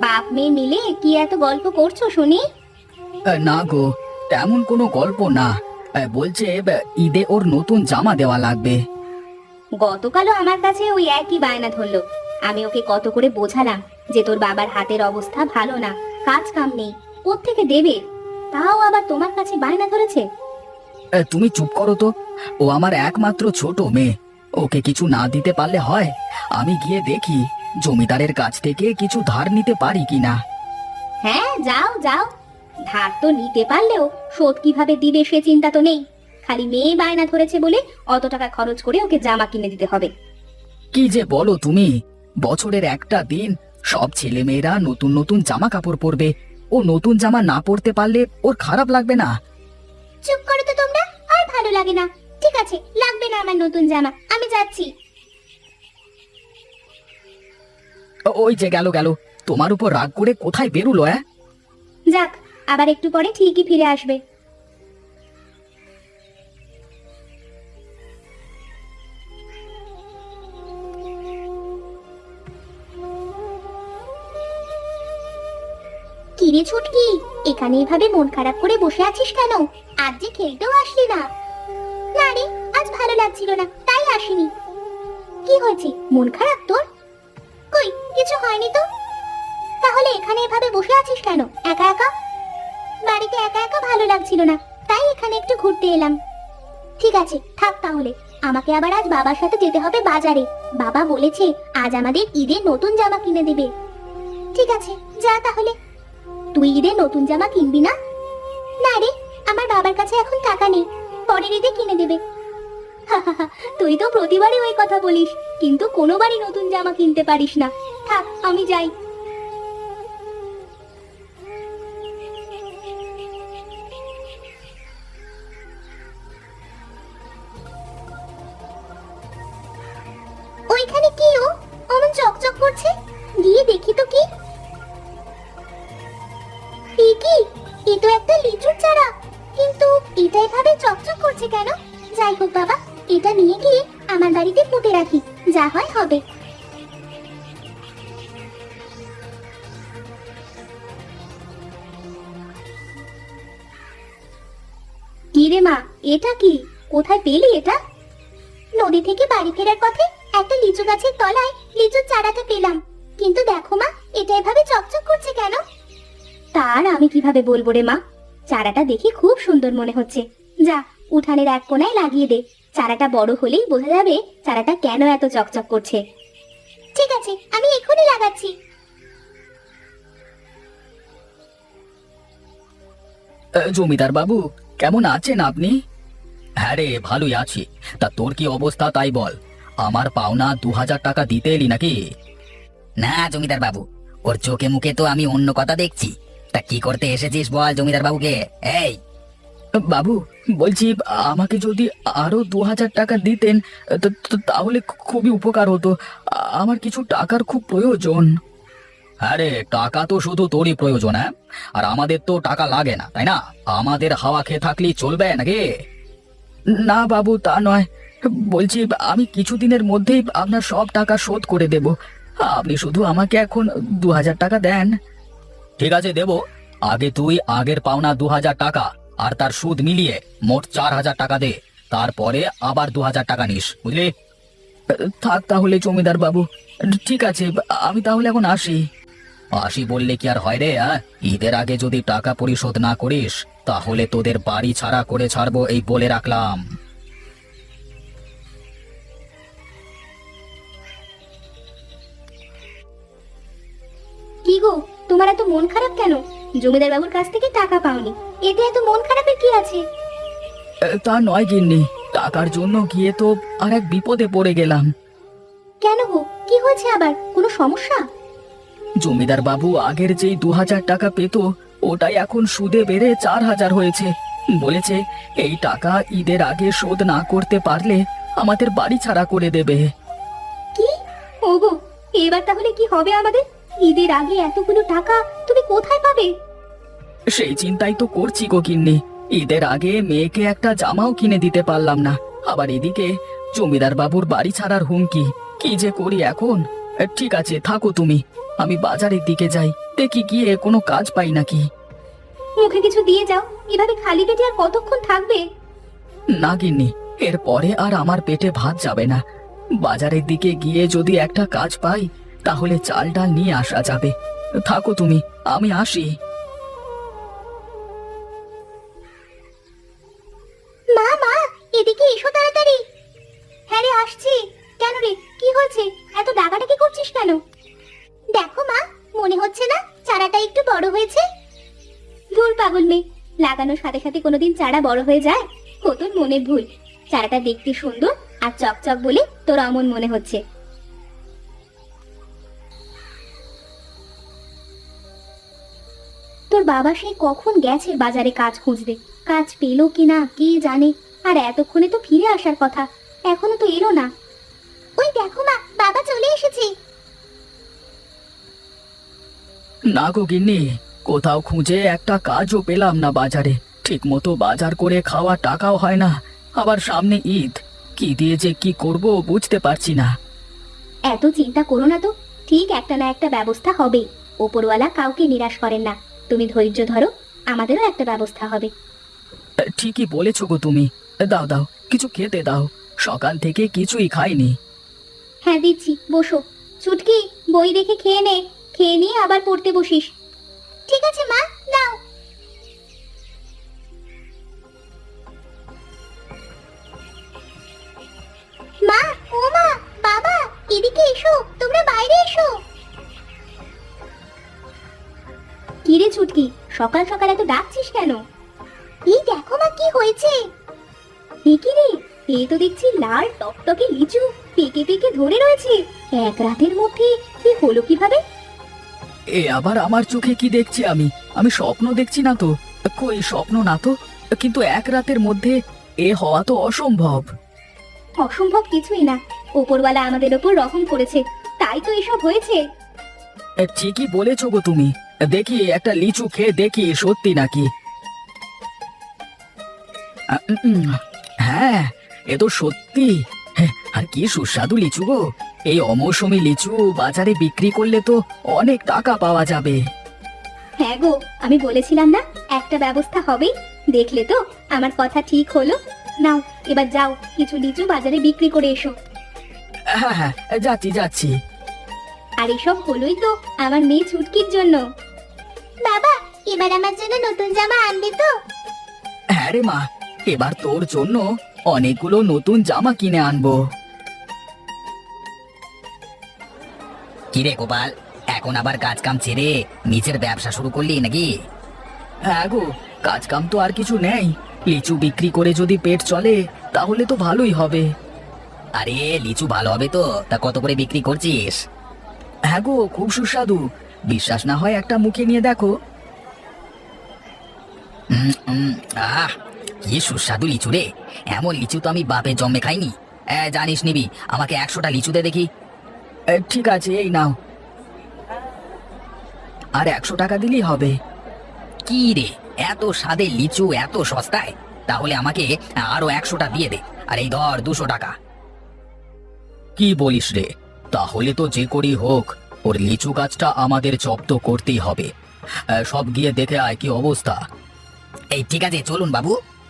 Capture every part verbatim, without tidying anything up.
বাপ মেয়ে মিলে কি এত গল্প করছো শুনি? না গো, তেমন কোনো গল্প না। বলছে ঈদে ওর নতুন জামা দেওয়া লাগবে। গতকালও আমার কাছে ওই একই বায়না ধরলো। আমি ওকে কত করে বোঝালাম যে তোর বাবার হাতের অবস্থা ভালো না, কাজ কাম নেই, কোত্থেকে দেবে? তাও আবার তোমার কাছে বায়না ধরেছে। তুমি চুপ করো তো। ও আমার একমাত্র ছোট মেয়ে, ওকে কিছু না দিতে পারলে হয়? আমি গিয়ে দেখি জমিদারের কাছ থেকে কিছু ধার নিতে পারি কিনা। হ্যাঁ, যাও যাও। ধার তো নিতে পারলেও শোধ কিভাবে দিবে সে চিন্তা তো নেই। খালি মেয়ে বায়না ধরেছে বলে অত টাকা খরচ করে ওকে জামা কিনে দিতে হবে। কি যে বলো তুমি! বছরের একটা দিন সব ছেলে মেয়েরা নতুন নতুন জামা কাপড় পরবে, ও নতুন জামা না পরতে পারলে ওর খারাপ লাগবে না? চুপ করো তো তোমরা, আর ভালো লাগে না। ঠিক আছে, লাগবে না আমার নতুন জামা, আমি যাচ্ছি। ওই যে গেল গেল, তোমার উপর রাগ করে কোথায় বেরুলো? হ্যাঁ, যাক, আবার একটু পরে ঠিকই ফিরে আসবে। কিরে ছুটকি, এখানে এভাবে মন খারাপ করে বসে আছিস কেন? আজ যে খেলতেও আসলি না। না রে, আজ ভালো লাগছিল না, তাই আসিনি। কি হয়েছে, মন খারাপ তোর? কই, কিছু হয়নি তো। তাহলে এখানে এভাবে বসে আছিস কেন একা একা? বাড়িতে একা একা ভালো লাগছিল না, তাই এখানে একটু ঘুরতে এলাম। ঠিক আছে, থাক তাহলে। আমাকে আবার আজ বাবার সাথে যেতে হবে বাজারে। বাবা বলেছে আজ আমাদের ঈদের নতুন জামা কিনে দেবে। ঠিক আছে, যা তাহলে। তুই ঈদে নতুন জামা কিনবি না? না রে, আমার বাবার কাছে এখন টাকা নেই, পরের ঈদে কিনে দেবে। তুই তো প্রতিবারই ওই কথা বলিস, কিন্তু কোনোবারই নতুন জামা কিনতে পারিস না। থাক, আমি যাই। ওইখানে কি ও অমন চকচক করছে? গিয়ে দেখি তো কি। এ কি, এ তো একটা লিচুর চারা, কিন্তু এটা এভাবে চকচক করছে কেন? যাই হোক বাবা, এটা নিয়ে গিয়ে আমার বাড়িতে পুঁতে রাখি, যা হয় হবে। কি রে মা, এটা কি? কোথায় পেলি এটা? নদী থেকে বাড়ি ফেরার পথে একটা লিচু গাছের তলায় লিচুর চারাটা পেলাম। কিন্তু দেখো মা, এটা এভাবে চকচক করছে কেন? তার আমি কিভাবে বলবো রে মা, চারাটা দেখে খুব সুন্দর মনে হচ্ছে। যা, উঠানের এক কোণায় লাগিয়ে দে। চারাটা বড় হলেই বোঝা যাবে চারাটা কেন এত চকচক করছে। ঠিক আছে, আমি এখনই লাগাচ্ছি। জমিদার বাবু, কেমন আছেন আপনি? হ্যাঁ রে, ভালোই আছি। তা তোর কি অবস্থা তাই বল। আমার পাওনা দু হাজার টাকা দিতে এলি নাকি? না জমিদার বাবু, ওর চোখে মুখে তো আমি অন্য কথা দেখছি। তা কি করতে এসেছিস বল জমিদার বাবুকে। এই বাবু, বলছি আমাকে যদি আরো দু হাজার টাকা দিতেন তো- তো তাহলে খুবই উপকার হতো। আমার কিছু টাকার খুব প্রয়োজন। আরে টাকা তো শুধু তোরই প্রয়োজন, হ্যাঁ? আর আমাদের তো টাকা লাগে না, তাই না? আমাদের হাওয়া খেয়ে থাকলেই চলবে নাকি? না বাবু, তা নয়। বলছি আমি কিছুদিনের মধ্যেই আপনার সব টাকা শোধ করে দেব। আপনি শুধু আমাকে এখন দু হাজার টাকা দেন। ঠিক আছে, দেব। আগে তুই আগের পাওনা দু হাজার টাকা আর তার সুদ মিলিয়ে মোট চার হাজার টাকা দে। তারপরে আবার দু হাজার টাকা নিস, বুঝলি? থাক তাহলে জমিদার বাবু, ঠিক আছে, আমি তাহলে এখন আসি। আসি বললে কি আর হয় রে? হ্যাঁ, ঈদের আগে যদি টাকা পরিশোধ না করিস তাহলে তোদের বাড়ি ছাড়া করে ছাড়বো, এই বলে রাখলাম। কি গো, তোমার এত মন খারাপ কেন? জমিদার বাবুর কাছ থেকে টাকা পাওনি, এতে এত মন খারাপের কি আছে? তা নয় গিন্নি, টাকার জন্য গিয়ে তো আর এক বিপদে পড়ে গেলাম। কেন গো, কি হয়েছে আবার? কোনো সমস্যা? জমিদার বাবু আগের যেই দু হাজার টাকা পেত ওটাই এখন সুদে বেড়ে চার হাজার হয়েছে। বলেছে এই টাকা ঈদের আগে শোধ না করতে পারলে আমাদের বাড়ি ছাড়া করে দেবে। কি? ওগো, এবার তাহলে কি হবে আমাদের? ঈদের আগে এতগুলো টাকা তুমি কোথায় পাবে? সেই চিন্তাই তো করছি গো গিন্নি। ঈদের আগে মেয়েকে একটা জামাও কিনে দিতে পারলাম না, আবার এদিকে জমিদার বাবুর বাড়ি ছাড়ার হুমকি। কি যে করি এখন। ঠিক আছে, থাকো তুমি, আমি বাজারের দিকে যাই, দেখি গিয়ে কোনো কাজ পাই নাকি। মুখে কিছু দিয়ে যাও, এভাবে খালি পেটে আর কতক্ষণ থাকবে? না গিন্নি, এরপরে আর আমার পেটে ভাত যাবে না। বাজারের দিকে গিয়ে যদি একটা কাজ পাই তাহলে চাল ডাল নিয়ে আসা যাবে। থাকো তুমি, আমি আসি। মা মা, এদিকে এসো তাড়াতাড়ি। হ্যাঁ রে, আসছি। কেন রে, কি হয়েছে? এত ডাকাডাকি করছিস কেন? দেখো মা, মনে হচ্ছে না চারাটা একটু বড় হয়েছে? ধুর পাগল মেয়ে, লাগানোর সাথে সাথে কোনোদিন চারা বড় হয়ে যায়? ও তোর মনের ভুল। চারাটা দেখতে সুন্দর আর চকচক বলে তোর অমন মনে হচ্ছে। তোর বাবা সেই কখন গেছে বাজারে কাজ খুঁজতে, কাজ পেলো কিনা কে জানে। আর এতক্ষণে তো ফিরে আসার কথা, এখনো তো এলো না। ওই দেখো মা, বাবা চলে এসেছে। না গো গিন্নি, কোথাও খুঁজে একটা কাজও পেলাম না বাজারে। ঠিক মতো বাজার করে খাওয়া টাকাও হয় না, আবার সামনে ঈদ। কি দিয়ে যে কি করব বুঝতে পারছি না। এত চিন্তা করো না তো, ঠিক একটা না একটা ব্যবস্থা হবে। ওপরওয়ালা কাউকে নিরাশ করেন না। তুমি ধৈর্য ধরো, আমাদেরও একটা ব্যবস্থা হবে। ঠিকই বলেছো গো তুমি। দাও দাও, কিছু খেতে দাও, সকাল থেকে কিছুই খাইনি। হ্যাঁ দিচ্ছি, বসো। ছুটকি, বই দেখে খেয়ে নে, খেয়ে নিয়ে আবার পড়তে বসিস। ঠিক আছে মা, নাও। মা, ও মা, বাবা, এদিকে এসো, তোমরা বাইরে এসো। কি রে ছুটকি, সকাল সকাল এত ডাকছিস কেন? এই দেখো মা, কি হয়েছে। এ কি রে, এই তো দেখছি লাল টকটকে লিচু পেকে পেকে ধরে রয়েছে। এক রাতের মধ্যে কি হলো কিভাবে? এ আবার আমার চোখে কি দেখছি আমি? আমি স্বপ্ন দেখছি না তো? কই স্বপ্ন না তো, কিন্তু এক রাতের মধ্যে এ হওয়া তো অসম্ভব। অসম্ভব কিছুই না, ওপরওয়ালা আমাদের ওপর রহম করেছে, তাই তো এসব হয়েছে। এ, ঠিকই বলেছো গো তুমি। দেখি একটা লিচু খেয়ে দেখি সত্যি নাকি। আ, উম, উম, হ্যাঁ, এ তো সত্যি। হ্যাঁ, আর কি সুস্বাদু লিচু গো। এই অমৌসুমী লিচু বাজারে বিক্রি করলে তো অনেক টাকা পাওয়া যাবে। হ্যাঁ গো, আমি বলেছিলাম না একটা ব্যবস্থা হবে। দেখলে তো আমার কথা ঠিক হলো। নাও, এবার যাও, কিছু লিচু বাজারে বিক্রি করে এসো। হ্যাঁ হ্যাঁ, যাচ্ছি যাচ্ছি। আর এসব হলোই তো আমার মেয়ে ছুটকির জন্য। বাবা, এবার আমার জন্য নতুন জামা আনবে তো? হ্যাঁ রে মা, এবার তোর জন্য অনেকগুলো নতুন জামা কিনে আনবো। কিরে গোপাল, এখন আবার কাজ কাম ছেড়ে নিচের ব্যবসা শুরু করলি নাকি? হ্যাঁ গো, কাজ কাম তো আর কিছু নেই। লিচু বিক্রি করে যদি পেট চলে তাহলে তো ভালোই হবে। আরে লিচু ভালো হবে তো, তা কত করে বিক্রি করছিস? হ্যাঁ গো, খুব সুস্বাদু। বিশ্বাস না হয় একটা মুখে নিয়ে দেখো। উম, উম, আহ কি সুস্বাদু লিচু রে। এমন লিচু তো আমি বাপে জন্মে খাইনি। এ, জানিস নিবি, আমাকে একশোটা লিচু দে দেখি। এ, ঠিক আছে, এই নাও। আর একশো টাকা দিলেই হবে। কি রে, এত স্বাদের লিচু এত সস্তায়? তাহলে আমাকে আরো একশোটা দিয়ে দে। আর এই ধর দুশো টাকা। কি বলিস রে? তাহলে তো যে করি হোক ওর লিচু গাছটা আমাদের জব্দ করতেই হবে। এ, সব গিয়ে দেখে আয় কি অবস্থা। এই ঠিক আছে, চলুন বাবু।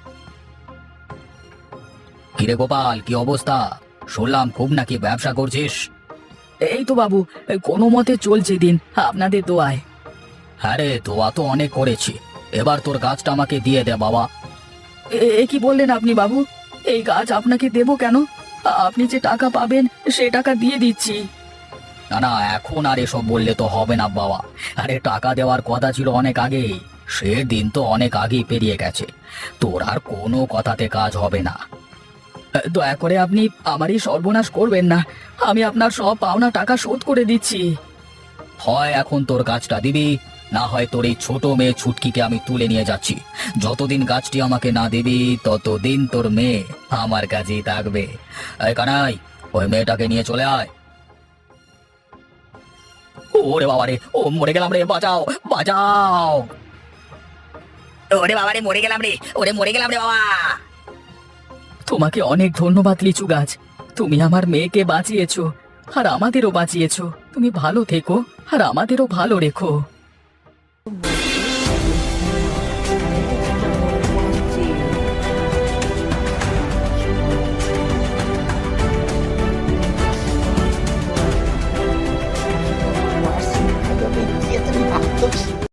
কিরে গোপাল, কি অবস্থা? শুনলাম খুব নাকি ব্যবসা করছিস। এই তো বাবু, কোনো মতে চলছে দিন, আপনাদের দোয়ায়। হ্যাঁ রে, দোয়া তো অনেক করেছি। এবার তোর গাছটা আমাকে দিয়ে দে বাবা। এ কি বললেন আপনি বাবু? এই গাছ আপনাকে দেবো কেন? আপনি যে টাকা পাবেন সে টাকা দিয়ে দিচ্ছি। না না, এখন আর এসব বললে তো হবে না বাবা। আরে টাকা দেওয়ার কথা ছিল অনেক আগেই। সে দিন তো অনেক আগেই পেরিয়ে গেছে। তোর আর কোনো কথাতে কাজ হবে না। দয়া করে আপনি আমারই সর্বনাশ করবেন না। আমি আপনার সব পাওনা টাকা শোধ করে দিচ্ছি। হয় এখন তোর গাছটা দিবি, না হয় তোর এই ছোট মেয়ে ছুটকিকে আমি তুলে নিয়ে যাচ্ছি। যতদিন গাছটি আমাকে না দিবি ততদিন তোর মেয়ে আমার কাছেই থাকবে। এই কানাই, ওই মেয়েটাকে নিয়ে চলে আয়। ওরে বাবা রে, ও মরে গেলাম রে, বাঁচাও বাঁচাও। ওরে বাবা রে, মরে গেলাম রে, ওরে মরে গেলাম রে বাবা। তোমাকে অনেক ধন্যবাদ লিচু গাছ। তুমি আমার মেয়েকে বাঁচিয়েছো আর আমাদেরও বাঁচিয়েছো। তুমি ভালো থেকো আর আমাদেরও ভালো রেখো।